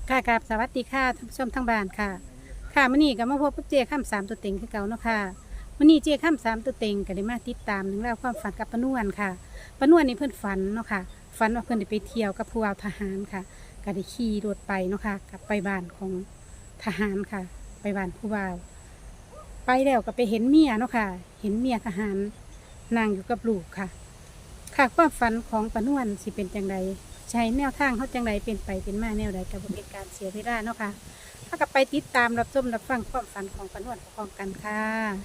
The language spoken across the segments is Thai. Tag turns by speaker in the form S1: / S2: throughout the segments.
S1: ค่ะกับสวัสดีค่ะท่านผู้ชมทั้งบ้านค่ะค่ะมื้อนี้ก็มาพบกับเจ้าข้ามสามตัวเต็งคือเก่าเนาะค่ะมื้อนี้เจ้าข้ามสามตัวเต็งก็ได้มาติดตามเรื่องราวความฝันกับป้านวลค่ะป้านวลนี่เพิ่นฝันเนาะค่ะฝันว่าเพิ่นได้ไปเที่ยวกับผู้ว่าทหารค่ะก็ได้ขี่รถไปเนาะค่ะกลับไปบ้านของทหารค่ะ ไปบ้านผู้ว่าไปแล้วก็ไปเห็นเมียเนาะค่ะ เห็นเมียทหารนั่งอยู่กับลูกค่ะ ค่ะความฝันของป้านวลสิเป็นจังไดใช้แนวทางเขาจังไดเป็นไปเป็นมาแนวใดกับบ่เป็นการเสียเวลาเนาะค่ะถ้ากับไปติดตามรับชมรับฟังความฝันของป้านวลพร้อมกันค่ะ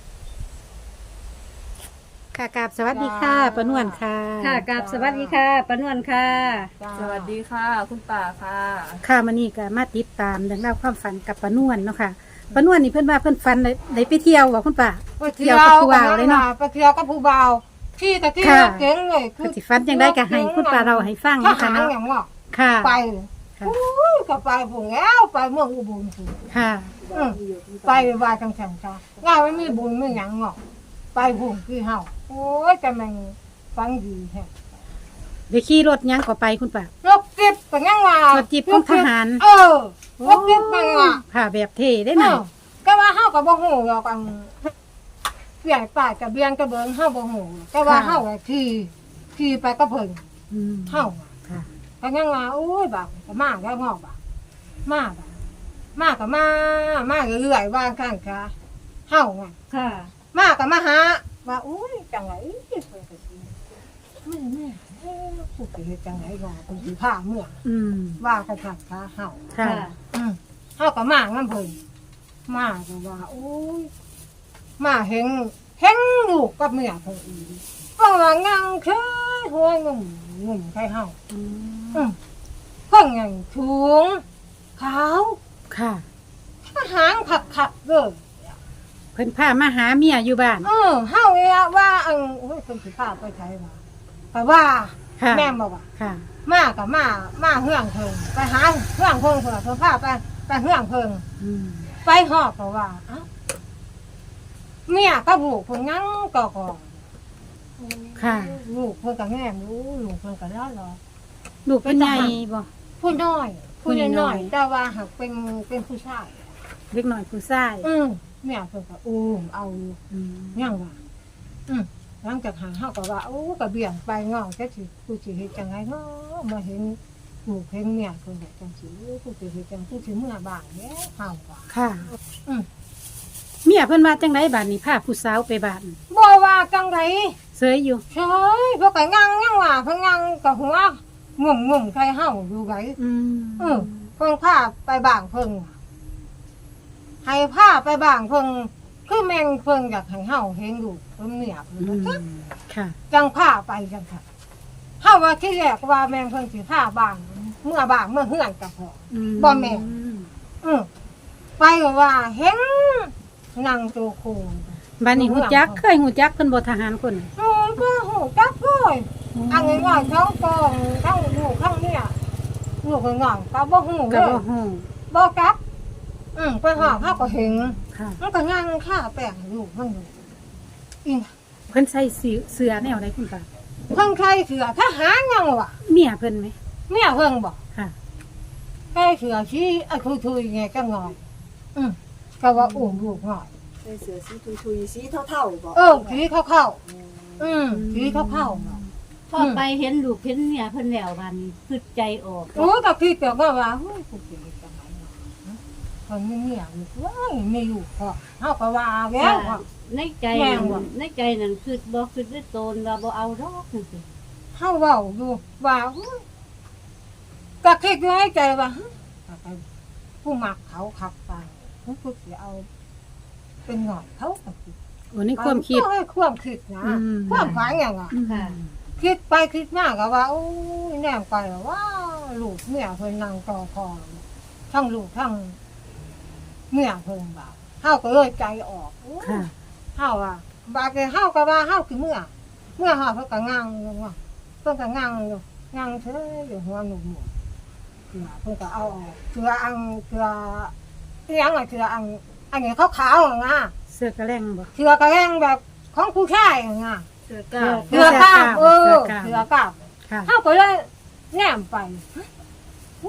S1: ค่ะกราบสวัสดีค่ะป้านวลค่ะ
S2: ค่ะกับสวัสดีค่ะปานวลค่ะ
S3: สวัสดีค่ะ คุณป่าค่ะ
S1: ค่ะมื้อนี้ก็มาติดตามเรื่องราวความฝันกับป้านวลเนาะค่ะป้านวลนี่เพิ่นว่าเพิ่นฝันได้ไปเที่ยวบ่คุณป้า
S4: ไปเที่ยวกับผู้บ่าวเลยเนาะไปเที่ยวกับผู้บ่าวที่ตะกี้เก่งเลย
S1: เพิ่นสิฝันจังไดก็ให้คุณป้าเราให้ฟัง
S4: ท
S1: เนาะ
S4: หา
S1: ค่ะ
S4: ร
S1: เนาะ
S4: อย่างว่า
S1: ค่ะ
S4: ไป
S1: ค่ะ
S4: ก็ไปผงแล้วไปเมืองอุบล
S1: ค่ะ
S4: ไปว่าจังสันค่ะง่ายไม่มีบุญไม่หยังเนาะไปผงคือเฮาโอ้ยแต่มันฟังดีแฮะ
S1: ได้ขี่รถหยังก็ไปคุณป้าร
S4: ถจิบก็ยังว่าร
S1: ถจิ๊บของทหาร
S4: รถจิบมันว่า
S1: ค่ะแบบเท่ได้หน่อย
S4: ก็ว่าเฮาก็บ่ฮู้หรอกเปลี่ยนป้ายกับเบียนกับเบิ่งเฮาบ่ฮู้แต่ว่าเฮาก็ขี่ไปกับเพิ่น
S1: อืม
S4: เฮา
S1: ค่ะ
S4: ก็ยังว่าโอ้ยบักก็มาแล้วงอกบักมาบักมาก็มาเรื่อยๆว่าข้างค่ะเฮาไง
S2: ค่ะ
S4: มาก็มาหาว่าโอ้ยจังไงเพิ่นก็สิแม่ผู้สิเฮ็ดจังไงงอเพิ่นสิพาเมื่อ
S1: อืม
S4: ว่ากันข้างค่ะเฮา
S1: ค่ะ
S4: เฮาก็มานำเพิ่นมาก็ว่าโอ้ยมาเห็นลูกกับเมียเพิ่นอีกก็ว่างังเชยหัวงุ่มใครเฮา
S1: อืม
S4: เพิ่งอย่างถุงขาว
S1: ค่ะ
S4: หางขักๆเลย
S1: เพิ่นพามาหาเมียอยู่บ้าน
S4: เฮาเนี่ยว่าโอ้ยคนสิพาไปใช้มาแต่ว่า
S1: ค่ะ
S4: แม่บอกว่า
S1: ค่ะ
S4: มากับมาเฮืองเพิงไปหาเฮืองเพิงเพิ่นพาไปเฮืองเพิง
S1: อืม
S4: ไปหอบก็ว่าเอ้าเมียก็บุกเพิ่นงั้งก็
S1: ค่ะ
S4: ลูกเพิ่นก็แง่มรู้ลูกเพิ่นก็ได้หรอ
S1: ลูกเป็นใหญ่บ่
S4: ผู้น้อย
S1: ผู้
S4: ผู้
S1: น้
S4: น้
S1: อ
S4: อย ยแต่ว่าหากเป็นผู้ชาย
S1: เล็กน้อยผู้ชาย
S4: แม่เพิ่นก็เอาอยู่
S1: อืม
S4: ยังว่าหลังจากหาเฮาก็ว่าโอ้ก็เบี่ยงไปเงาจักสิกูสิเฮ็ดจังไงเนาะมาเห็นลูกเห็นเมียเพิ่นก็จังสิกูสิเฮ็ดจังกูสิเมื่อบ้านแหล้วเฮาว่า
S1: ค่ะ
S4: อืม
S1: เมียเพิ่นว่าจังไดบ้านนี้พาผู้สาวไปบ้าน
S4: บ่ว่าจังได
S1: เสยอยู่
S4: เฉยเพิ่นก็ยังว่าเพิ่นยังก็หัวงุ่มใครเฮาอยู่ไก
S1: อืม
S4: เพิ่นพาไปบ้านเพิ่นให้พาไปบ้านเพิ่นคือแม่งเพิ่นอยากให้เฮาเห็นลูกเพิ่นเมียเพิ่น
S1: อื
S4: ว่า
S1: มค่ะ
S4: จังผ้าไปจังค่ะเฮาว่าที่แรกว่าแม่งเพิ่นสิผ้าบ้านเมื่อบ้านเมื่อเฮือนกับพ่อ
S1: อืม
S4: บ่แม่น ไปก็ว่าเห็นนั่งโตโคง
S1: บ้านนี้ฮู้จักเคยฮู้จักเพิ่นบ่ทหารคน
S4: บ่ฮู้จักเลยอันง่ายๆทั้งกองทั้งลูกทั้งเนี่ยลูกก็ง่ายก็บ่ฮู้เล
S1: ก็
S4: ย
S1: บ่ฮู้
S4: บ่จักไปหาเฮาก็เห็น
S1: ค่ะ
S4: มันก็ย่างค่าแป้งให้ลูกมันอยู่อี
S1: เพิ่นใส่เสื้อแนวใดคุณป้า
S4: เพิ่นใครเสือทหารยังวะ
S1: เมียเพิ่นไหม
S4: เมียเพิ่นบ่
S1: ค่ะ
S4: ใครเสือชี้ทุยๆไงก็งอยก็ว่าอุ้มลูกงอย
S3: ใส่เสื้อสีทุยๆสีเท่าๆบอก
S4: สีเข้าๆสีเข้าๆเนาะ
S2: พอไปเห็นลูกเห็นเนี่ยเพิ่นแล้วบัดนคือใจออก
S4: โอ้ก็คิดแต่ว่าเฮ้ยกูสิเฮ็ดจังไงเนาะคนมีเมียอยู่ว้ายไม่อยู่พอเฮาก็ว่าแล้วว่า
S2: ในใจ
S4: แม่
S2: นั่
S4: งว่ะ
S2: นในใจนั่นคือบ่คือด้วยตนว่าบ่เอาดอกจังซี่
S4: เฮาเว้าอยู่ว่าเฮ้ยก็คิดอยู่ในใจว่าเฮ้ยผู้มักเขาขับไปกูสิเอา เป็นหน่อยเขาก็คิด
S1: โอ้ในความคิด
S4: ความคิดนะ
S1: อืม
S4: ความฝันอย่างอ่ะ
S2: ค่ะ
S4: คิดไปคิดมาก็ว่าโอ้ยแนมไปว่าลูกเมียเพิ่นนั่งต่อคอทั้งลูกทั้งเมียเพิ่นบ่าเฮาก็เลยใจออกโอ้ย
S1: ค่ะ
S4: เฮาอ่ะบาดนี้เฮาก็ว่าเฮาคือเมื่อเฮาเพิ่นก็งังอยู่ว่าเพิ่นก็งังอยู่งังเฉยอยู่หัวหนุ่มๆเพิ่นก็เอาออกเสื้ออีหยังอ่ะเสื้ออันนี้ขาวๆอ่ะงะ
S1: เสื้อกระแรงบ่
S4: เสื้อกระแรงแบบของผู้ชายอ่ะงะ
S2: เสื้อกล้าว
S4: เสือกล้าม
S1: เสือกล้าม
S4: เสือกล้าม
S1: ค่ะ
S4: เขาก็เลยแนมไปอุ๊ย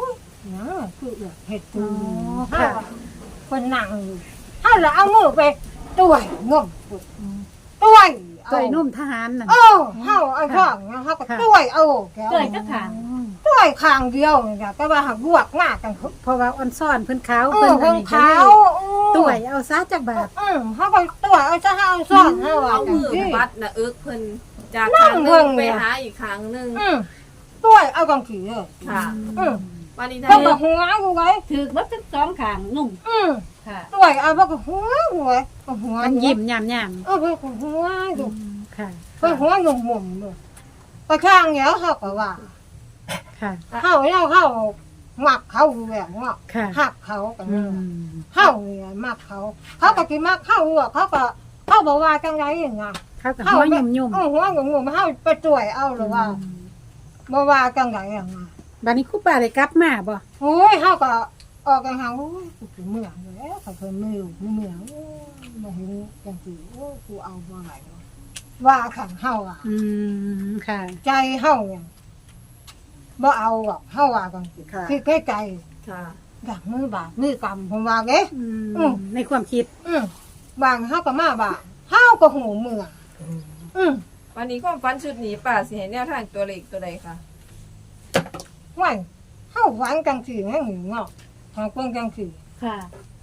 S4: เนี่ยคือเห็ด
S1: อ๋
S4: ตู
S1: อ
S4: เฮา
S1: ค่ะ
S4: คนนั่งอยู่เฮาละเอามือไปต้วยงมต้วยเอา
S1: ต่อยนุ่มทหารนั่น
S4: เออเฮาเอาช่องเฮาก็ต้วยเอาแก้ว
S2: เกิดจะขาง
S4: ต้วยข้างเดียวนี่ค่ะแต่ว่าหักบวกหน้ากัน
S1: เพราะว่าอ่อนซ่อนเพิ่นขาว
S4: เออ
S1: เพิ่นอั
S4: เพิ่
S1: น
S4: น
S1: นี้ก็
S4: ขา
S1: เล
S4: วย
S1: ต่วยเอาซะจักบาท
S4: เฮาก็ต้วยเอาซะเฮาซ่อนเฮาว่า
S3: เอา
S4: จัง
S3: มือ
S4: ซี่
S3: วัดนะอึกเพิ่นจาก
S4: นั่
S3: ครั้
S4: ง
S3: งห
S4: เพิ่
S3: นึ
S4: ง
S3: งไป
S4: เนี่ย
S3: หาอีกครั้งหนึง
S4: ต้วยเอากังขี้เลย
S3: ค่ะ วันนี้
S4: ก็
S3: ท่าน
S4: บ่หัวกูไว้
S2: ถือวัดทั้งสองขางนุ่มค่ะ
S4: ต้วยเอาบ่ก็หัวกูไว้ก็หัว
S1: มันยิ้มยาม
S4: เพิ่นก็หัวอยู่
S1: ๆค่ะ
S4: เพิ่นหัวงมุมๆอยู่ก็ช่างแล้วเฮาก็ว่า
S1: ค่ะ
S4: เฮาแล้วเฮามักเขาอยู่แล้วเนาะ
S1: ค่ะ
S4: ฮักเขากัน
S1: อื
S4: เนาะ
S1: ม
S4: เฮาเนี่ยมักเขาเขาก็สิมักเขาอยู่เขาบอกว่าจังไดอย่างเงี้ย
S1: เขากับหัวยุ่ม
S4: หัวงงๆเฮาไปช่วยเอาหรือว่าบ่ว่าจังไดอย่างเงี้ย
S1: บัดนี้ครูป้าได้กลับมาบ่
S4: โอ้ยเฮาก็ออกกันหาโอ้ยกูสิเมื่อยแล้วเขาเพิ่นมือเมื่อยโอ้ยมาเห็นจังซี่โอ้ยกูเอาบ่ไหวว่าขังเฮาอ่ะ
S1: อืมค่ะ
S4: ใจเฮาเนี่ยบ่เอาหรอกเฮาว่าจังซี่คือแค่ใจ
S3: ค่ะ
S4: อยากมือบาดมือกำผมว่าเด้
S1: ในความคิด
S4: บางเฮาก็มาบางเฮาก็หูเมื่อ
S3: วันนี้ความฝันชุดนี้ป่าสิให้แนวทางตัวเลขตัวใดคะ
S4: ว่าเฮาหวานจังซี่แม่งเนาะหาเพิ่นจังซี่
S2: ค่ะ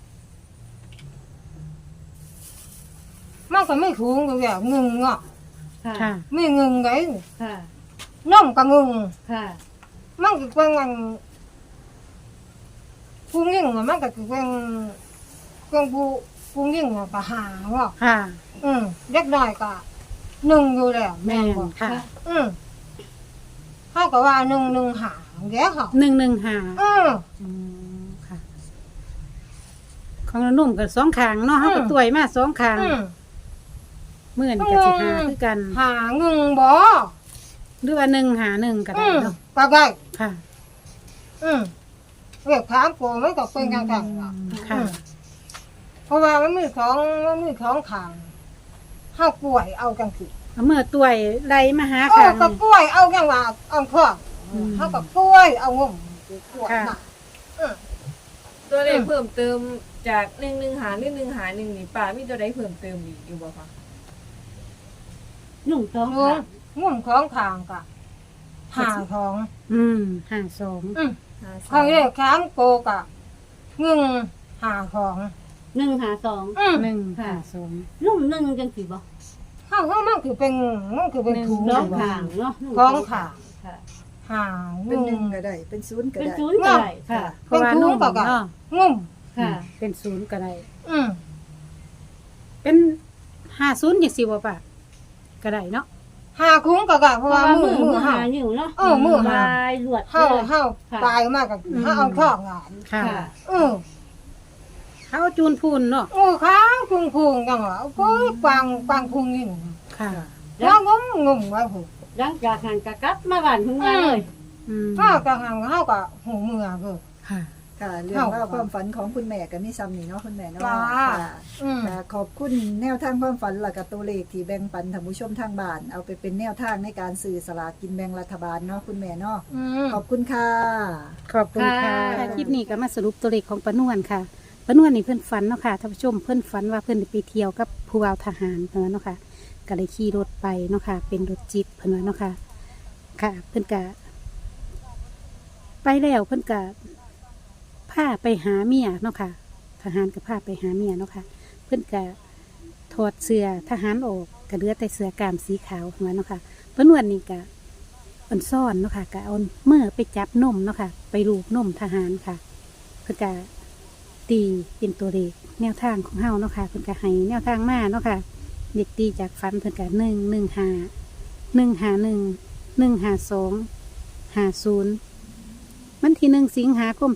S4: มันก็ไม่ถูกอยู่แล้วงึงเนาะ
S2: ค่ะ
S1: ค่ะ
S4: ไม่งึงได
S2: ค่ะ
S4: น้องก็งึง
S2: ค่ะ
S4: มันก็เป็นอันผู้หญิงอะมันก็คือเป็นผู้หญิงอะก็หาเนาะ
S1: ค่ะ
S4: เด็กน้อยก็หนึ่งอยู่แล้ว
S1: แม่
S4: แม่
S1: น
S4: บ่
S1: ค่ะ
S4: เฮาก็ว่าหนึ่งหาเด้อเฮา
S1: 115ค่ะ ของเรานุ่มกับ2ข้างเนาะเฮาก็ต่วยมา2ข้างมื้อนี้ก็สิหาคือกัน
S4: หาเงินบ่
S1: หรือว่า151ก็ได้เนาะ
S4: ก็ได้
S1: ค่ะ
S4: เรียกถามกูมันก็เป็นจังซั่นล่ะ
S1: ค่ะ
S4: เพราะว่ามันมีของขางเฮากล้วยเอาจังซี่
S1: เอามื่อต่วยไล่มาหา
S4: เอ
S1: ข้า
S4: อง ก็กล้วยเอาจังว่าเอาพ่อเฮาก็กล้วยเอางมกล้วยมา
S3: ตัวเลขเพิ่มเติมจาก115หรือ151นี่ป่ามีตัวใดเพิ่มเติมอีกอยู่บ่คะ
S2: นุ่มสอง
S4: ง
S2: ขาง
S4: งมของขางก็หาของ
S1: 52
S4: เขาเรียกถามโกก็งึงหาของ
S2: 152
S1: 152
S2: นุ่มหนึ่งจังสิบ่
S4: เฮามันคือเป็นถุง
S2: สองขางเนาะนุ่ม
S4: ของขาง
S2: ค่ะ
S4: หา
S5: เป็นห
S4: งึ
S5: นึ่ง
S4: ง
S5: ก็ได้ เป็นศูนย์ก็
S2: เป็น
S5: ได้
S2: ศูนย์ก็ได้ค่ะ
S1: เพราะว่านุ่ม
S4: เป็นถุงก็
S1: เนาะ
S4: งม
S2: ค่ะ
S1: เป็นศูนย์ก็ได้
S4: อืม
S1: เป็น50จังซี่บ่ป่ะก็ได้เนาะ
S4: หาคุ้งก็เพราะว่ามือ
S2: หา
S4: เฮา
S2: อยู่เนาะ
S4: มือหา
S2: ลายลวด
S4: เฮา
S2: เลย
S4: เฮาตายมากก็เฮาเอาท่องงาน
S1: ค่ะ
S2: ค่ะ
S1: เขาเอาจูนพูนเนาะ
S4: โอ้ค้างพุงจังว่าโอ้ยกวางพุงนี่
S1: ค่ะ
S4: แล้วงมไว้พุ่น
S2: หลังจากหันกะกลับมาบ้านทุ่งนาเลย
S4: เฮาก็หังเฮาก็หูมือเด้อ
S1: ค่ะ
S5: ค่ะ เรื่องราวความฝันของคุณแม่กับมิซ้ำนี่เนาะคุณแม่เนาะ
S4: จ้า
S5: ค่ะ
S4: อืม
S5: ค่ะขอบคุณแนวทางความฝันและกับตัวเลขที่แบ่งปันท่านผู้ชมทางบ้าน เอาไปเป็นแนวทางในการสื่อสลากกินแบ่งรัฐบาลเนาะคุณแม่เนาะ ขอบคุณค่ะ
S1: ขอบคุณค่ะคลิปนี้ก็มาสรุปตัวเลขของปานวนค่ะปานวนนี่เพื่อนฝันเนาะค่ะท่านผู้ชมเพื่อนฝันว่าเพื่อนได้ไปเที่ยวกับผู้บ่าวทหารเพิ่นว่าเนาะค่ะก็เลยขี่รถไปเนาะค่ะ เป็นรถจิ๊บเพิ่นว่าเนาะค่ะ ค่ะ เพื่อนก็ไปแล้วเพื่อนก็พาไปหาเมียเนาะค่ะ ทหารก็พาไปหาเมียเนาะค่ะ เพื่อนก็ถอดเสื้อทหารออกก็เหลือแต่เสื้อกล้ามสีขาวเพิ่นว่าเนาะค่ะปานวนนี่ก็ อันซ่อนเนาะค่ะก็เอาเมื่อไปจับนมเนาะค่ะ ไปลูบนมทหารค่ะ เพื่อจะตีเป็นตัวเลขแนวทางของเฮาเนาะค่ะเพื่อจะให้แนวทางมาเนาะค่ะเด็กตีจากฟันเพื่อจะ115 วันที่1 สิงหาคม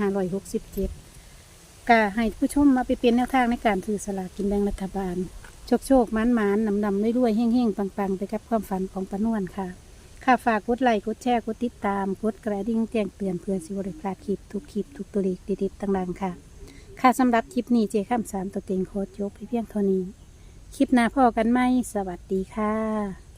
S1: 2567ก็ให้ผู้ชมมาไปเป็นแนวทางในการถือสลากกินแบ่งรัฐบาลโชคๆมันๆนำๆรวยๆเฮ่งๆปังๆไปกับความฝันของปานวนค่ะ ค่ะฝากกดไลค์กดแชร์กดติดตามกดกระดิ่งแจ้งเตือนเพื่อสิบริพลาดคลิปทุกตัวเลขดีๆต่างๆค่ะ ค่ะสำหรับคลิปนี้เจข้าม3ตัวเต็งโคตรยกไปเพียงเท่านี้ คลิปหน้าพ่อกันไหมสวัสดีค่ะ